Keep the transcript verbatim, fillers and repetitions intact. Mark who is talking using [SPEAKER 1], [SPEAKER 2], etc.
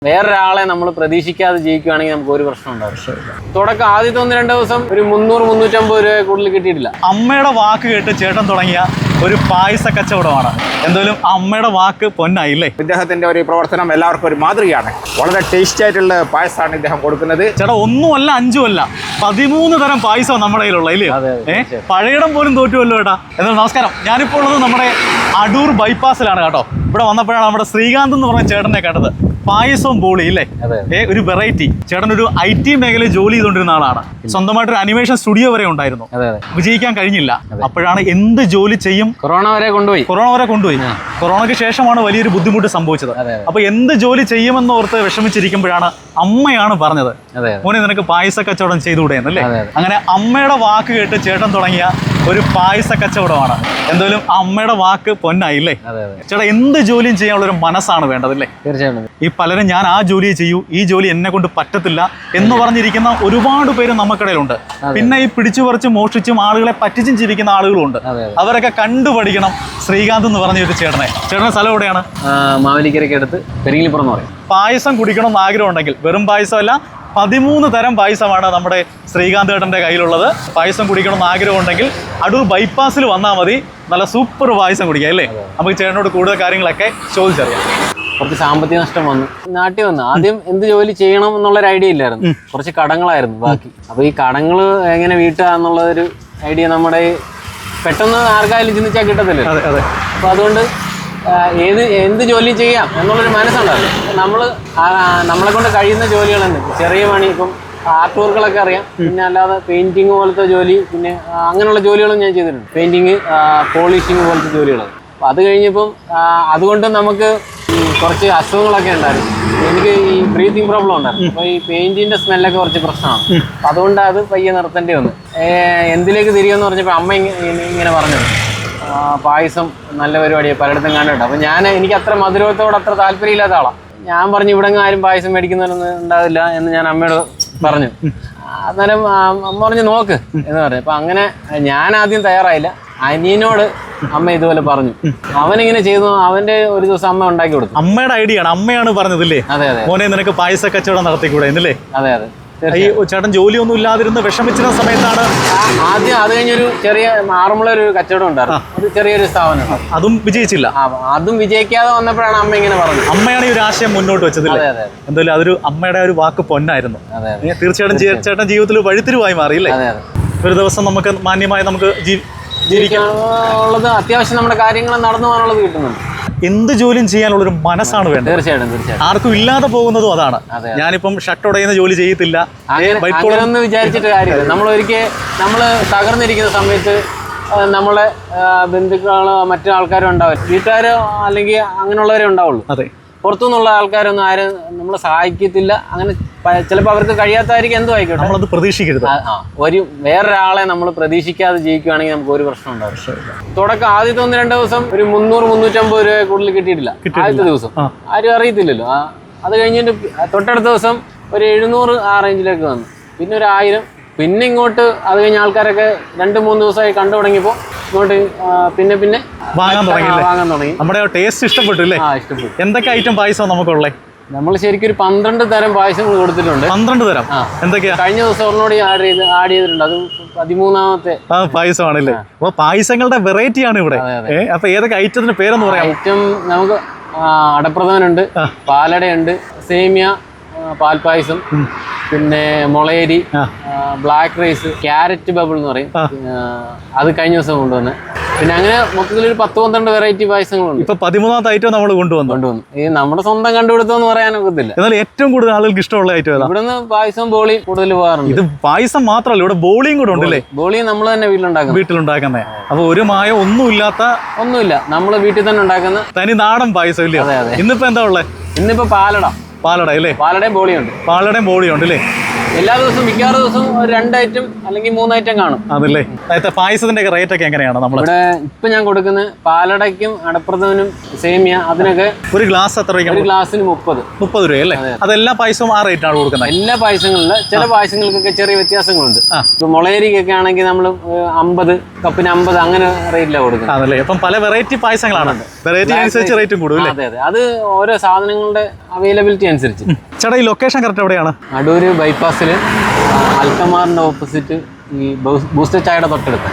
[SPEAKER 1] വേറൊരാളെ നമ്മൾ പ്രതീക്ഷിക്കാതെ ജയിക്കുകയാണെങ്കിൽ നമുക്ക് ഒരു പ്രശ്നം ഉണ്ടാവും. തുടക്കം ആദ്യത്തെ ഒന്ന് രണ്ട് ദിവസം ഒരു മുന്നൂറ് മുന്നൂറ്റമ്പത് രൂപ കൂടുതൽ കിട്ടിയിട്ടില്ല.
[SPEAKER 2] അമ്മയുടെ വാക്ക് കേട്ട് ചേട്ടൻ തുടങ്ങിയ ഒരു പായസ കച്ചവടമാണ്. എന്തായാലും അമ്മയുടെ വാക്ക് പൊന്നായില്ലേ.
[SPEAKER 3] ഇദ്ദേഹത്തിന്റെ ഒരു പ്രവർത്തനം എല്ലാവർക്കും ഒരു മാതൃകയാണ്. വളരെ ടേസ്റ്റി ആയിട്ടുള്ള പായസമാണ് ഇദ്ദേഹം കൊടുക്കുന്നത്.
[SPEAKER 2] ചേട്ടാ ഒന്നുമല്ല അഞ്ചുമല്ല പതിമൂന്ന് തരം പായസം നമ്മുടെ കയ്യിലുള്ള ഇല്ലയോ? ഏഹ് പഴയിടം പോലും തോറ്റുമല്ലോ ചേട്ടാ. എന്നാൽ നമസ്കാരം, ഞാനിപ്പോൾ ഉള്ളത് നമ്മുടെ അടൂർ ബൈപ്പാസിലാണ് കേട്ടോ. ഇവിടെ വന്നപ്പോഴാണ് നമ്മുടെ ശ്രീകാന്ത് എന്ന് പറഞ്ഞ ചേട്ടനെ കണ്ടത്. പായസവും ബോളി ഇല്ലേ, ഏ ഒരു വെറൈറ്റി. ചേട്ടൻ ഒരു ഐ ടി മേഖലയിൽ ജോലി ചെയ്തുകൊണ്ടിരുന്ന ആളാണ്. സ്വന്തമായിട്ട് ഒരു അനിമേഷൻ സ്റ്റുഡിയോ വരെ ഉണ്ടായിരുന്നു. വിജയിക്കാൻ കഴിഞ്ഞില്ല. അപ്പോഴാണ് എന്ത് ജോലി ചെയ്യും,
[SPEAKER 1] കൊറോണ വരെ കൊണ്ടുപോയി
[SPEAKER 2] കൊറോണ വരെ കൊണ്ടുപോയി കൊറോണയ്ക്ക് ശേഷമാണ് വലിയൊരു ബുദ്ധിമുട്ട് സംഭവിച്ചത്. അപ്പൊ എന്ത് ജോലി ചെയ്യുമെന്ന് ഓർത്ത് വിഷമിച്ചിരിക്കുമ്പോഴാണ് അമ്മയാണ് പറഞ്ഞത്, മോനെ നിനക്ക് പായസ കച്ചവടം ചെയ്തുകൂടെ എന്നല്ലേ. അങ്ങനെ അമ്മയുടെ വാക്ക് കേട്ട് ചേട്ടൻ തുടങ്ങിയ ഒരു പായസ കച്ചവടമാണ്. എന്തായാലും അമ്മയുടെ വാക്ക് പൊന്നായില്ലേ. ചേട്ടാ എന്ത് ജോലിയും ചെയ്യാനുള്ള ഒരു മനസ്സാണ് വേണ്ടതല്ലേ.
[SPEAKER 1] തീർച്ചയായിട്ടും.
[SPEAKER 2] ഈ പലരും ഞാൻ ആ ജോലിയെ ചെയ്യൂ, ഈ ജോലി എന്നെ കൊണ്ട് പറ്റത്തില്ല എന്ന് പറഞ്ഞിരിക്കുന്ന ഒരുപാട് പേര് നമുക്കിടയിലുണ്ട്. പിന്നെ ഈ പിടിച്ചു പറിച്ചും മോഷ്ടിച്ചും ആളുകളെ പറ്റിച്ചും ജീവിക്കുന്ന ആളുകളുണ്ട്. അവരൊക്കെ കണ്ടുപഠിക്കണം ശ്രീകാന്ത് എന്ന് പറഞ്ഞ ഒരു ചേട്ടനെ. ചേട്ടന്റെ സ്ഥലം എവിടെയാണ്?
[SPEAKER 1] മാവേലിക്കരയ്ക്ക് അടുത്ത് പെരിങ്ങലിപ്പുറം എന്ന് പറയും.
[SPEAKER 2] പായസം കുടിക്കണം എന്ന് ആഗ്രഹം ഉണ്ടെങ്കിൽ, വെറും പായസമല്ല പതിമൂന്ന് തരം പായസമാണ് നമ്മുടെ ശ്രീകാന്ത് ചേട്ടൻ്റെ കയ്യിലുള്ളത്. പായസം കുടിക്കണം എന്ന് ആഗ്രഹം ഉണ്ടെങ്കിൽ അടൂർ ബൈപ്പാസിൽ വന്നാൽ മതി. നല്ല സൂപ്പർ പായസം കുടിക്കാം അല്ലേ. നമുക്ക് ചേട്ടനോട് കൂടുതൽ കാര്യങ്ങളൊക്കെ ചോദിച്ചറിയാം.
[SPEAKER 1] കുറച്ച് സാമ്പത്തിക നഷ്ടം വന്നു. നാട്ടിൽ വന്നു ആദ്യം എന്ത് ജോലി ചെയ്യണം എന്നുള്ളൊരു ഐഡിയ ഇല്ലായിരുന്നു. കുറച്ച് കടങ്ങളായിരുന്നു ബാക്കി. അപ്പോൾ ഈ കടങ്ങൾ എങ്ങനെ വീട്ടുക എന്നുള്ളൊരു ഐഡിയ നമ്മുടെ പെട്ടെന്ന് ആർക്കായാലും ചിന്തിച്ചാൽ കിട്ടത്തില്ല. അപ്പോൾ അതുകൊണ്ട് ഏത് എന്ത് ജോലി ചെയ്യാം എന്നുള്ളൊരു മനസ്സുണ്ടായിരുന്നു. നമ്മൾ നമ്മളെ കൊണ്ട് കഴിയുന്ന ജോലികൾ തന്നെ, ചെറിയ പണി, ഇപ്പം ആർട്ട് വർക്കുകളൊക്കെ അറിയാം. പിന്നെ അല്ലാതെ പെയിൻറ്റിങ് പോലത്തെ ജോലി, പിന്നെ അങ്ങനെയുള്ള ജോലികളും ഞാൻ ചെയ്തിട്ടുണ്ട്. പെയിൻറ്റിങ്, പോളിഷിങ് പോലത്തെ ജോലികൾ. അപ്പം അത് കഴിഞ്ഞപ്പം അതുകൊണ്ട് നമുക്ക് കുറച്ച് അസുഖങ്ങളൊക്കെ ഉണ്ടായിരുന്നു. എനിക്ക് ഈ ബ്രീത്തിങ് പ്രോബ്ലം ഉണ്ടായിരുന്നു. അപ്പോൾ ഈ പെയിൻറ്റിൻ്റെ സ്മെല്ലൊക്കെ കുറച്ച് പ്രശ്നമാണ്. അപ്പം അതുകൊണ്ട് അത് പയ്യെ നിർത്തേണ്ടി വന്നു. എന്തിലേക്ക് തിരികെന്ന് പറഞ്ഞപ്പോൾ അമ്മ ഇങ്ങനെ പറഞ്ഞത് പായസം നല്ല പരിപാടിയാണ്, പലയിടത്തും കണ്ടിട്ട്. അപ്പം ഞാൻ എനിക്ക് അത്ര മധുരത്തോട് അത്ര താല്പര്യമില്ലാത്ത ആളാണ്. ഞാൻ പറഞ്ഞു ഇവിടെ ആരും പായസം മേടിക്കുന്നവരൊന്നും ഉണ്ടാവില്ല എന്ന് ഞാൻ അമ്മയോട് പറഞ്ഞു. അന്നേരം അമ്മ പറഞ്ഞു നോക്ക് എന്ന് പറഞ്ഞു. അപ്പം അങ്ങനെ ഞാൻ ആദ്യം തയ്യാറായില്ല. അനിയനോട് അമ്മ ഇതുപോലെ പറഞ്ഞു. അവനിങ്ങനെ ചെയ്തു. അവന്റെ ഒരു ദിവസം അമ്മ ഉണ്ടാക്കി കൊടുത്തു.
[SPEAKER 2] അമ്മയുടെ ഐഡിയ ആണ്, അമ്മയാണ് പറഞ്ഞതല്ലേ.
[SPEAKER 1] അതെ അതെ.
[SPEAKER 2] മോനെ നിനക്ക് പായസ കച്ചവടം നടത്തിക്കൂടെ എന്നല്ലേ.
[SPEAKER 1] അതെ അതെ.
[SPEAKER 2] ഈ ചേട്ടൻ ജോലിയൊന്നും ഇല്ലാതിരുന്ന് വിഷമിച്ചിരുന്ന സമയത്താണ്
[SPEAKER 1] ആദ്യം അത് കഴിഞ്ഞൊരു ചെറിയ ആറന്മുള ഒരു കച്ചവടം ഉണ്ടായിരുന്നു. അത് ചെറിയൊരു സ്ഥാപനം.
[SPEAKER 2] അതും വിജയിച്ചില്ല.
[SPEAKER 1] അതും വിജയിക്കാതെ വന്നപ്പോഴാണ് അമ്മ ഇങ്ങനെ പറഞ്ഞത്.
[SPEAKER 2] അമ്മയാണ് ഈ ഒരു ആശയം മുന്നോട്ട് വെച്ചതില്ലേ. എന്തായാലും അതൊരു അമ്മയുടെ ഒരു വാക്ക് പൊന്നായിരുന്നു. തീർച്ചയായിട്ടും ചേട്ടൻ ജീവിതത്തിൽ വഴിത്തിരിവായി മാറിയില്ലേ. ഒരു ദിവസം നമുക്ക് മാന്യമായി നമുക്ക്
[SPEAKER 1] ജീവിക്കാനുള്ളത്, അത്യാവശ്യം നമ്മുടെ കാര്യങ്ങൾ നടന്നു പോകാനുള്ളത് കിട്ടുന്നുണ്ട്.
[SPEAKER 2] എന്ത് ജോലിയും ചെയ്യാനുള്ളൊരു മനസ്സാണ് വേണ്ടത്.
[SPEAKER 1] തീർച്ചയായിട്ടും തീർച്ചയായിട്ടും.
[SPEAKER 2] ആർക്കും ഇല്ലാതെ പോകുന്നതും അതാണ്. ഞാനിപ്പം ഷർട്ട് ഉടയുന്ന ജോലി ചെയ്യത്തില്ല
[SPEAKER 1] അങ്ങനെയൊന്ന് വിചാരിച്ചിട്ട് കാര്യമില്ല. നമ്മൾ ഒരിക്കൽ നമ്മൾ തകർന്നിരിക്കുന്ന സമയത്ത് നമ്മളെ ബന്ധുക്കളോ മറ്റു ആൾക്കാരോ ഉണ്ടാവും, വീട്ടുകാരോ അല്ലെങ്കിൽ അങ്ങനെയുള്ളവരേ ഉണ്ടാവുള്ളൂ.
[SPEAKER 2] അതെ.
[SPEAKER 1] പുറത്തുനിന്നുള്ള ആൾക്കാരൊന്നും ആരും നമ്മളെ സഹായിക്കത്തില്ല. അങ്ങനെ ചിലപ്പോൾ അവർക്ക് കഴിയാത്തായിരിക്കും, എന്തോ ആയിക്കോട്ടെ.
[SPEAKER 2] നമ്മളത് പ്രതീക്ഷിക്കരുത്.
[SPEAKER 1] ഒരു വേറൊരാളെ നമ്മൾ പ്രതീക്ഷിക്കാതെ ജയിക്കുകയാണെങ്കിൽ നമുക്ക് ഒരു പ്രശ്നം ഉണ്ടാവും. തുടക്കം ആദ്യത്തെ ഒന്ന് രണ്ട് ദിവസം ഒരു മുന്നൂറ് മുന്നൂറ്റമ്പത് രൂപ കൂടുതൽ കിട്ടിയിട്ടില്ല. ആദ്യത്തെ ദിവസം ആരും അറിയത്തില്ലല്ലോ. അത് കഴിഞ്ഞിട്ട് തൊട്ടടുത്ത ദിവസം ഒരു എഴുന്നൂറ് ആ റേഞ്ചിലേക്ക് വന്നു. പിന്നെ ഒരു ആയിരം. പിന്നെ ഇങ്ങോട്ട് അത് കഴിഞ്ഞ ആൾക്കാരൊക്കെ രണ്ട് മൂന്ന് ദിവസമായി കണ്ടു തുടങ്ങിയപ്പോൾ ഇങ്ങോട്ട് പിന്നെ പിന്നെ
[SPEAKER 2] വാങ്ങാൻ തുടങ്ങി
[SPEAKER 1] വാങ്ങാൻ തുടങ്ങി
[SPEAKER 2] നമ്മുടെ ടേസ്റ്റ് ഇഷ്ടപ്പെട്ടു അല്ലേ.
[SPEAKER 1] ആ ഇഷ്ടപ്പെട്ടു.
[SPEAKER 2] എന്തൊക്കെ ഐറ്റം പായസം നമുക്കുള്ളേ?
[SPEAKER 1] നമ്മൾ ശരിക്കും ഒരു പന്ത്രണ്ട് തരം പായസങ്ങൾ കൊടുത്തിട്ടുണ്ട്.
[SPEAKER 2] പന്ത്രണ്ട് തരം എന്തൊക്കെയാ?
[SPEAKER 1] കഴിഞ്ഞ ദിവസം ഒരെണ്ണോട് ആഡ് ചെയ്ത് ആഡ് ചെയ്തിട്ടുണ്ട്. അത് പതിമൂന്നാമത്തെ
[SPEAKER 2] പായസമാണല്ലേ. അപ്പൊ പായസങ്ങളുടെ വെറൈറ്റി ആണ് ഇവിടെ. അപ്പൊ ഏതൊക്കെ ഐറ്റത്തിന്റെ പേരെന്ന് പറയാം?
[SPEAKER 1] ഐറ്റം നമുക്ക് അടപ്രഥമനുണ്ട്, പാലടയുണ്ട്, സേമിയ, പാൽപ്പായസം, പിന്നെ മുളയരി, ബ്ലാക്ക് റൈസ്, ക്യാരറ്റ് ബബിൾ എന്ന് പറയും. അത് കഴിഞ്ഞ ദിവസം കൊണ്ടുവന്ന്. പിന്നെ അങ്ങനെ മൊത്തത്തിലൊരു പത്ത് പന്ത്രണ്ട് വെറൈറ്റി പായസങ്ങളുണ്ട്.
[SPEAKER 2] ഇപ്പൊ പതിമൂന്നാമത്തെ ഐറ്റം നമ്മൾ കൊണ്ടുവന്നു
[SPEAKER 1] കൊണ്ടുവന്നു ഈ നമ്മുടെ സ്വന്തം കണ്ടുപിടുത്തം പറയാനൊക്കത്തില്ല.
[SPEAKER 2] എന്നാൽ ഏറ്റവും കൂടുതൽ ആളുകൾക്ക് ഇഷ്ടമുള്ള ഐറ്റം ഏതാ?
[SPEAKER 1] ഇവിടുന്ന് പായസം ബോളി കൂടുതൽ പോകാറുണ്ട്.
[SPEAKER 2] ഇത് പായസം മാത്രമല്ല, ഇവിടെ ബോളിയും കൂടെ ഉണ്ടല്ലേ.
[SPEAKER 1] ബോളി നമ്മൾ തന്നെ വീട്ടിലുണ്ടാക്കും.
[SPEAKER 2] വീട്ടിലുണ്ടാക്കുന്നേ. അപ്പൊ ഒരു മായം ഒന്നുമില്ലാത്ത
[SPEAKER 1] ഒന്നുമില്ല, നമ്മൾ വീട്ടിൽ തന്നെ ഉണ്ടാക്കുന്ന
[SPEAKER 2] തനി നാടൻ പായസം ഇല്ലേ. ഇന്നിപ്പോ എന്താ ഉള്ളത്?
[SPEAKER 1] ഇന്നിപ്പോ പാലട.
[SPEAKER 2] പാലട അല്ലേ.
[SPEAKER 1] പാലടയും ബോളിയുണ്ട്.
[SPEAKER 2] പാലടയും ബോളിയും ഉണ്ട് അല്ലേ.
[SPEAKER 1] എല്ലാ ദിവസവും മിക്കവാറും ദിവസവും ഒരു രണ്ട് ഐറ്റം അല്ലെങ്കിൽ മൂന്ന് ഐറ്റം കാണും.
[SPEAKER 2] അതല്ലേ. നേരത്തെ പായസത്തിന്റെ റേറ്റ് ഒക്കെ എങ്ങനെയാണ് നമ്മൾ
[SPEAKER 1] ഇവിടെ ഇപ്പൊ ഞാൻ കൊടുക്കുന്നത് പാലടയ്ക്കും അടപ്രഥമനും സേമിയ അതിനൊക്കെ
[SPEAKER 2] ഒരു ഗ്ലാസ് എത്ര രൂപയ്ക്ക്?
[SPEAKER 1] ഒരു ഗ്ലാസ്സിന് മുപ്പത്
[SPEAKER 2] മുപ്പത് രൂപ അല്ലേ? അതെല്ലാ പായസവും ആ റേറ്റ് ആണ് കൊടുക്കുന്നത്?
[SPEAKER 1] എല്ലാ പായസങ്ങളിലും ചില പായസങ്ങൾക്കൊക്കെ ചെറിയ വ്യത്യാസങ്ങളുണ്ട്.
[SPEAKER 2] ആ.
[SPEAKER 1] ഇപ്പൊ മുളയരിക്കൊക്കെ ആണെങ്കിൽ നമ്മൾ അമ്പത് കപ്പിന് അമ്പത് അങ്ങനെ റേറ്റിലാണ് കൊടുക്കുന്നത്.
[SPEAKER 2] അതല്ലേ. അപ്പം പല വെറൈറ്റി പായസങ്ങളാണ്, വെറൈറ്റി അനുസരിച്ച് റേറ്റും കൂടും അല്ലേ?
[SPEAKER 1] അതെ അതെ, അത് ഓരോ സാധനങ്ങളുടെ അവൈലബിലിറ്റി അനുസരിച്ച്.
[SPEAKER 2] ചേട്ടാ ഈ ലൊക്കേഷൻ കറക്റ്റ് എവിടെയാണ്?
[SPEAKER 1] അടൂര് ബൈപ്പാസിൽ അൽക്കമാറിന്റെ ഓപ്പോസിറ്റ് ഈ ബൂസ്റ്റർ ചായയുടെ തൊട്ടടുത്ത്.